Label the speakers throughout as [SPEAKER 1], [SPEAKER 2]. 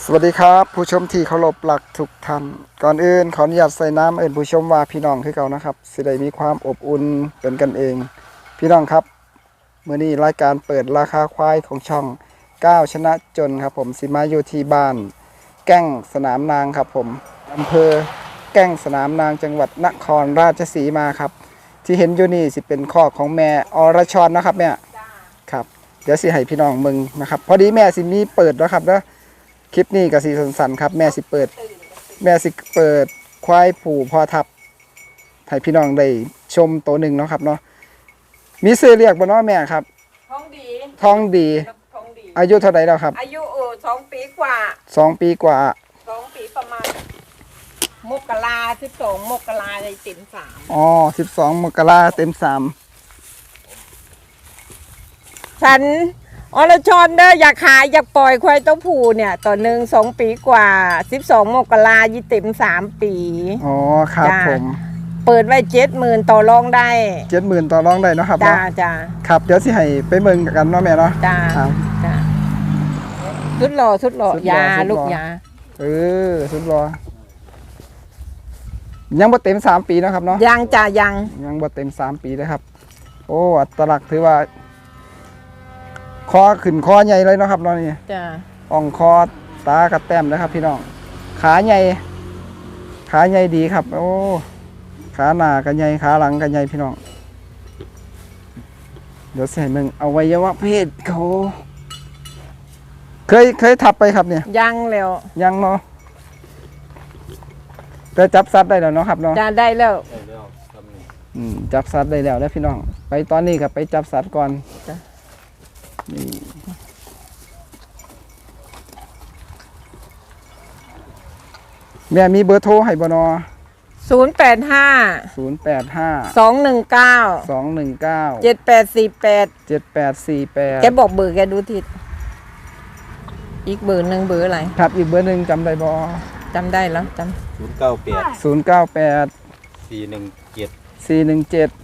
[SPEAKER 1] สวัสดีครับผู้ชมที่เคารพรักทุกท่านก่อนอื่นขออนุญาตใส่น้ำเอิญผู้ชมว่าพี่น้องคือเก่านะครับสิได้มีความอบอุ่นเป็นกันเองพี่น้องครับมื้อนี้รายการเปิดราคาควายของช่องก้าวชนะจนครับผมสิมาอยู่ที่บ้านแก้งสนามนางครับผมอำเภอแก้งสนามนางจังหวัดนครราชสีมาครับที่เห็นอยู่นี่สิเป็นข้อของแม่อรชรนะครับแม่ครับเดี๋ยวสิให้พี่น้องมึงนะครับพอดีแม่สิมีเปิดแล้วครับเด้อคลิปนี้กับสีสันๆครับแม่สิเปิดควายผูพอทับให้พี่น้องได้ชมตัวหนึ่งเนาะครับเนาะมีซื้อเรียกบ่เนาะแม่ครับ
[SPEAKER 2] ท้องดี
[SPEAKER 1] ท้องดีอายุเท่าไหร่แล้วครับ
[SPEAKER 2] อายุ2 ปีกว่า
[SPEAKER 1] 2 ปีกว่า
[SPEAKER 2] 2 ปีประมาณมกรา12 มกราเลยเต็ม3
[SPEAKER 1] อ๋อ12 มกราเต็ม
[SPEAKER 2] ฉันอรชรเด้ออยากขายอยากปล่อยควายตัวผู้เนี่ยต่อหนึ่ง2 ปีกว่า12 มกรายี่เต็ม3 ปี
[SPEAKER 1] อ๋อครับผม
[SPEAKER 2] เปิดไว้70,000ต่อรองได้
[SPEAKER 1] 70,000ต่อรองได้เนาะครับ
[SPEAKER 2] จ้า
[SPEAKER 1] เนาะ
[SPEAKER 2] จ้า
[SPEAKER 1] ครับเดี๋ยวสิให้ไปเบิ่งกันเนาะแม่เนาะ
[SPEAKER 2] จ้าจ้าสุดหล่อยาลูกยา
[SPEAKER 1] สุดรอยังบ่เต็ม3 ปีนะครับเนาะ
[SPEAKER 2] ยังจ้ายัง
[SPEAKER 1] บ่เต็ม3 ปีเลยครับโอ้อัตลักษณ์ถือว่าคอขึ้นคอใหญ่เลยเนาะครับเนาะนี่
[SPEAKER 2] จ้า
[SPEAKER 1] อ่องคอตากระแต้มนะครับพี่น้องขาใหญ่ดีครับโอ้ขาหน้ากันใหญ่ขาหลังกันใหญ่พี่น้องเดี๋ยวใส่มึงอวัยวะเพศเขาเคยทับไปครับเนี่ย
[SPEAKER 2] ยังแล้ว
[SPEAKER 1] ยังเนาะแต่จับสัตว์ได้แล้วเนาะครับเนาะ
[SPEAKER 2] จ้าได้แล้ว
[SPEAKER 1] จับสัตว์ได้แล้วพี่น้องไปตอนนี้กับไปจับสัตว์ก่อนนี่แม่มีเบอร์โทรให้บ่นอ
[SPEAKER 2] 085 219 7848
[SPEAKER 1] 7848
[SPEAKER 2] แกบอกเบอร์แกดูทิศอีกเบอร์หนึ่งเบอร์อะไร
[SPEAKER 1] ครับอีกเบอร์หนึ่งจำได้บ่
[SPEAKER 2] จำได้แล้ว
[SPEAKER 1] 098 417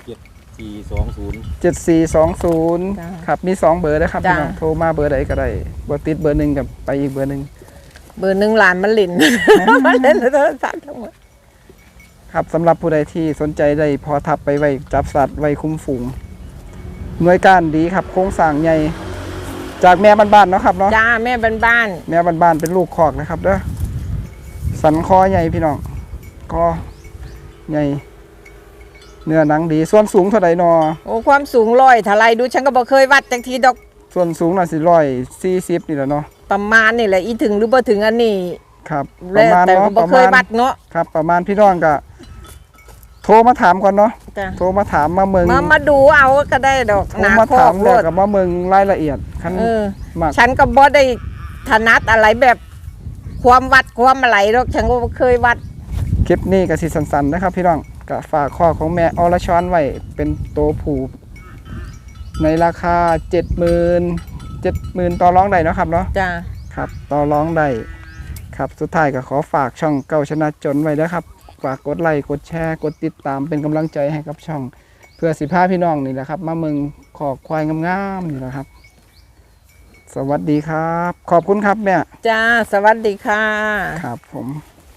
[SPEAKER 1] 7420ครับมี2เบอร์นะครับพี่น้องโทรมาเบอร์ใดก็ได้บ่ติดเบอร์หนึ่งกับไปอีกเบอร์หนึ่ง
[SPEAKER 2] หลานมันหลินมันเล่นโทรศัพท์ทั้งหมด
[SPEAKER 1] ครับสำหรับผู้ใดที่สนใจได้พอทับไปไว้จับสัตว์ไว้คุ้มฝูงหน่วยการดีครับโครงสร้างใหญ่จากแม่บ้านๆเนาะครับเนาะ
[SPEAKER 2] จ้าแม่บ้าน
[SPEAKER 1] เป็นลูกคอกนะครับเด้อสันคอใหญ่พี่น้องคอใหญ่เนื้อหนังดีส่วนสูงเท่าไหร่นอ
[SPEAKER 2] โอ้ความสูง100เท่าไรดูฉันก็บอกเคยวัดจังทีดอก
[SPEAKER 1] ส่วนสูงน่ะสิ140นี่แหละเนาะ
[SPEAKER 2] ประมาณนี่แหละอีถึงหรือบ่ถึงอันนี้
[SPEAKER 1] ครับประมาณเนาะ
[SPEAKER 2] บ่เคยวัดเนาะ
[SPEAKER 1] ครับประมาณพี่น้องก็โทรมาถามก่อนเนาะโทรมาถามมาเมือง
[SPEAKER 2] มาดูเอาก็ได้ดอก
[SPEAKER 1] โทรมาถามแล้วกับมาเมืองรายละเอียด
[SPEAKER 2] ฉันก็บ่ได้ถนัดอะไรแบบความวัดความอะไรหรอกฉันก็เคยวัด
[SPEAKER 1] คลิปนี้ก็สิสั้นๆนะครับพี่น้องก็ฝากข้อของแม่อรชรไว้เป็นโตผูในราคา70,000ต่อรองได้เนาะครับเนาะ
[SPEAKER 2] จ้า
[SPEAKER 1] ครับต่อรองได้ครับสุดท้ายก็ขอฝากช่องเก้าชนะจนไว้นะครับฝากกดไลค์กดแชร์กดติดตามเป็นกำลังใจให้กับช่องเพื่อสิพาพี่น้องนี่แหละครับมาเมืองขอกควายงามๆนี่แหละครับสวัสดีครับขอบคุณครับแม่
[SPEAKER 2] จ้าสวัสดีค่ะ
[SPEAKER 1] ครับผม